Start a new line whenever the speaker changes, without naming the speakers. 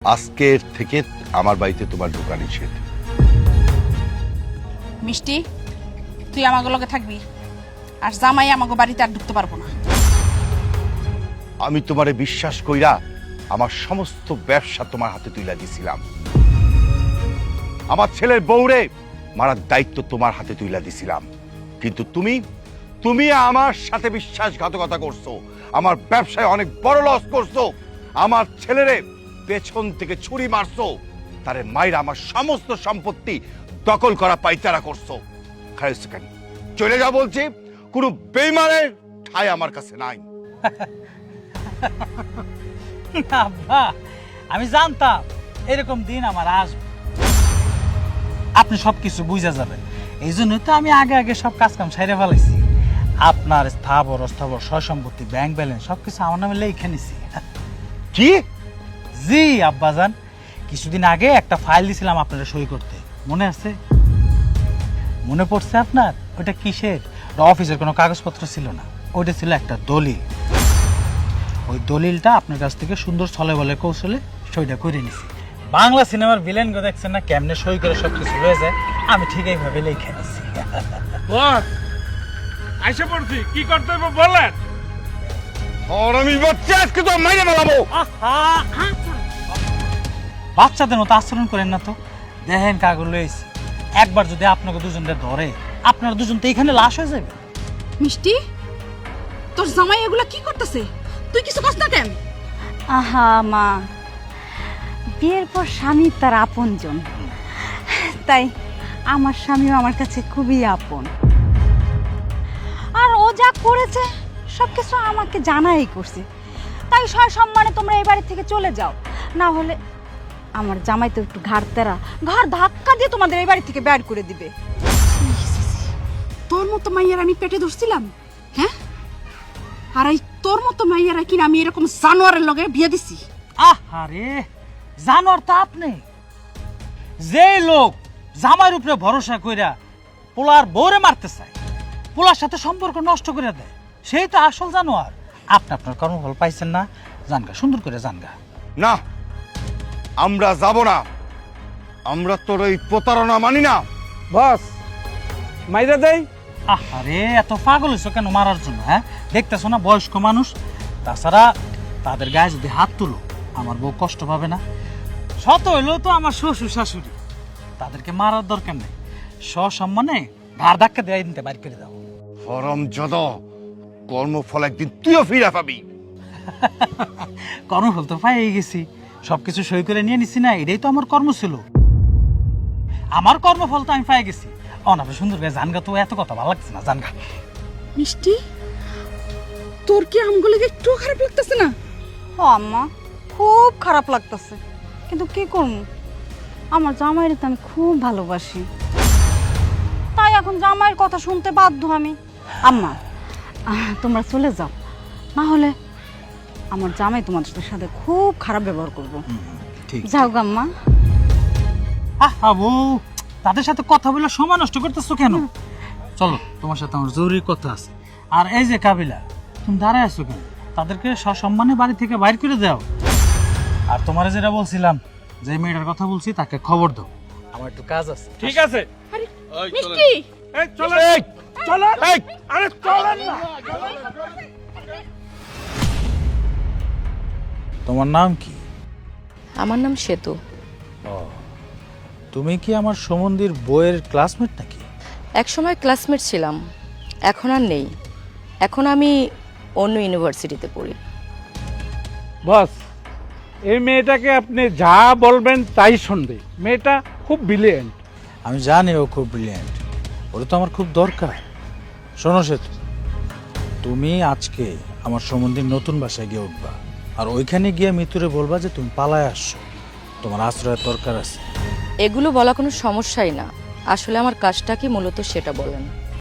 আজকের থেকে আমার বাড়িতে তোমার ঢোকা নিষেধ।
মিষ্টি, তুই আমাকে লগে থাকবি, আর জামাই আমাকে বাড়িতে আর ঢুকতে পারবো না।
আমি তোমারে বিশ্বাস কইরা আমার সমস্ত ব্যবসা তোমার হাতে তুইলা দিছিলাম। আমার ছেলের বউরে মারার দায়িত্ব তোমার হাতে তুইলা দিছিলাম, কিন্তু তুমি আমার সাথে বিশ্বাসঘাতকতা করছো, আমার ব্যবসায় অনেক বড় লস করছো, আমার ছেলেরে পেছন থেকে ছুরি মারছো, তারে মাইরা আমার সমস্ত সম্পত্তি দখল করা পাইতারা করছো। খাইছেন চলে যা বলছি, কোনো বেইমানের ঠাঁই আমার কাছে নাই।
আব্বা, আমি জানতাম এরকম দিন আমার আসবে, আপনি সবকিছু বুঝা যাবেন। এই জন্য তো আমি আগে আগে সব কাজ কাম সাইরে ফেলাইছি। আপনার স্থাবর অস্থাবর সয় সম্পত্তি ব্যাংক ব্যালেন্স সবকিছু আমার নামে লিখে নিছি।
কি?
জি আব্বাজান, কিছুদিন আগে একটা ফাইল দিছিলাম আপনারা সই করতে, মনে আছে? মনে পড়ছে আপনার? ওটা কিসের? অফিসের কোনো কাগজপত্র ছিল না, ওইটা ছিল একটা দলিল। ওই দলিলটা আপনার কাছ থেকে সুন্দর ছলে বলে কৌশলে সইটা করে নিছি। বাংলা সিনেমার ভিলেন গো দেখছেন না কেমনে সই করে সবকিছু হয়ে যায়, আমি ঠিক এইভাবে লিখে নিছি।
বস আইসা পড়ছি, কি করতে হবে বলেন।
আর আমি বাচ্চা আজকে তো মাইরে মেলাবো।
বাচ্চাদের মতো আচরণ করেন না তো, দেখেন কাগজ লইছি, একবার যদি আপনাকে দুজনকে ধরে আপনারা দুজন তো এখানে লাশ হয়ে যাবে।
মিষ্টি, তোর জামাই এগুলা কি করতেছে? তুই কিছু কষ্ট না কেন?
আহা মা, বিয়ের পর স্বামী তার আপনজন, তাই আমার স্বামীও আমার কাছে খুবই আপন। আর ও যা করেছে সবকিছু আমাকে জানাই করছে, তাই সম্মানে তোমরা এই বাড়ি থেকে চলে যাও, না হলে আমার জামাই তো একটু ঘাড় ধাক্কা দিয়ে তোমাদের এই বাড়ি থেকে বের করে দিবে।
তোর মতো মাইয়ার আমি পেটে ধরছিলাম, হ্যাঁ? আর এই তোর মতো মাইয়ারা কিনা আমি এরকম জানোয়ারের লগে বিয়ে দিছি?
আরে জানোয়ার তো আপনি, যে লোক জামাইয়ের উপরে ভরসা কইরা পোলার বউরে মারতে চায়, পোলার সাথে সম্পর্ক নষ্ট করে দেয়, সেই তো আসল জানোয়ার। আপনি আপনার কর্মফল পাইছেন না, জানগা সুন্দর করে জানগা।
না, আমরা যাব না, আমরা তোর এই প্রতারণা মানি না।
বস মাইরা দেই।
আরে এত পাগল হইছো কেন মারার জন্য? হ্যাঁ, দেখতেছো না বয়স্ক মানুষ, তাছাড়া তাদের গায়ে যদি হাত তুলো আমার বউ কষ্ট পাবে না? শত হইলেও তো আমার শ্বশুর শাশুড়ি, তাদেরকে মারার দরকার নেই, সসম্মানে ঘাড় ধাক্কা দিয়ে দিতে বাইর করে দাও।
হরমজাদ, কর্মফল একদিন তুইও ফিরে পাবি।
কর্মফল তো পাই গেছি, সবকিছু সই করে নিয়ে নিছি না, এটাই তো আমার কর্ম ছিল। আমার কর্মফল তো আমি পাই গেছি। অনাপে সুন্দর করে জানগা, তো এত কথা ভালো লাগছে না, জানগা।
মিষ্টি, তোর কি আমগুলো একটু খারাপ লাগতেছে না?
ও আম্মা, খুব খারাপ লাগতেছে, কিন্তু কি করবো, আমার জামাইয়ের তো আমি খুব ভালোবাসি, তাই এখন জামাইয়ের কথা শুনতে বাধ্য আমি। আম্মা, তোমরা চলে যাও, না হলে আমার জামাই তোমাদের সাথে খুব খারাপ ব্যবহার করবো।
ঠিক
যাও গাম্মা।
বউ, তাদের সাথে কথা বলে সময় নষ্ট করতেছো কেন? চলো, তোমার সাথে আমার জরুরি কথা আছে। আর এই যে কাবিলা, তুমি দাঁড়ায় আছো কেন? তাদেরকে সসম্মানে বাড়ি থেকে বাইর করে দাও। আর তোমার যেটা বলছিলাম, যে মেয়েটার কথা বলছি তাকে খবর দাও, আমার একটু কাজ আছে।
ঠিক আছে।
মিষ্টি,
এই চলেন, চলেন, আরে চলেন না।
তোমার নাম কি?
আমার নাম সেতু।
তুমি কি আমার সমন্দির বইয়ের ক্লাসমেট নাকি?
একসময় ক্লাসমেট ছিলাম, এখন আর নেই। এখন আমি অন্য ইউনিভার্সিটিতে পড়ি।
বস, এই মেয়েটাকে আপনি যা বলবেন তাই শুনবে। মেয়েটা খুব ব্রিলিয়েন্ট।
আমি জানি ও খুব ব্রিলিয়েন্ট, ওটা তো আমার খুব দরকার। শোনো সেতু, তুমি আজকে আমার সম্বন্ধে নতুন বাসায় গিয়ে উঠবা, আর ওইখানে গিয়ে মিতুরে বলবা যে তুমি পালায় আসছো, তোমার আশ্রয়ের দরকার আছে।
এগুলো বলা কোনো সমস্যাই না, আসলে আমার কাজটা কি মূলত সেটা বলেন।